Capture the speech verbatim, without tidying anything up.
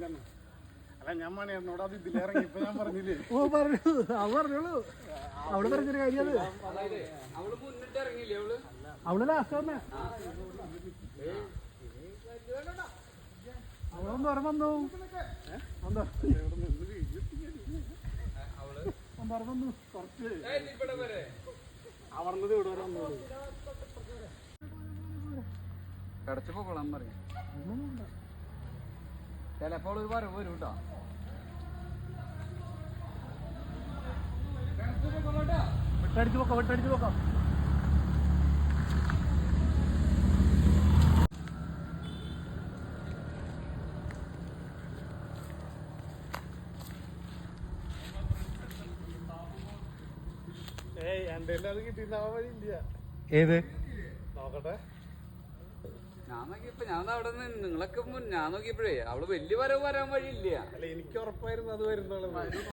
അല്ല ഞാൻ മണി എന്നോട് അത് ഇതിലിറങ്ങി ഇപ്പൊ ഞാൻ പറഞ്ഞില്ലേ. ഓ പറഞ്ഞു അവ പറഞ്ഞോളൂ. അവള് പറഞ്ഞൊരു കാര്യം അത് അവള് ലാസ്റ്റ് വന്നേ. അവളൊന്ന് ഓർമ്മ വന്നു എന്താ വന്നു കുറച്ച് അവർന്നത് ഇവിടെ വരെ വന്നു. കിടച്ചപ്പോ കൊള്ളാൻ പറയും ചിലപ്പോൾ ഒരു വരവ് വരും കേട്ടോ. വിട്ടടിച്ചു പോക്കാം വിട്ടടിച്ചു പോക്കാം. ഏയ് എന്റെ അത് കിട്ടിയിട്ടുണ്ടാവാൻ വഴിയില്ല. ഏത് നോക്കട്ടെ. ഞാൻ നോക്കിയപ്പോ ഞാൻ അവിടെ നിന്ന് നിങ്ങളൊക്കെ ഞാൻ നോക്കിയപ്പോഴേ അവള് വലിയ വരവ് വരാൻ വഴിയില്ല. അല്ല എനിക്ക് ഉറപ്പായിരുന്നു അത് വരുന്നുള്ളത്.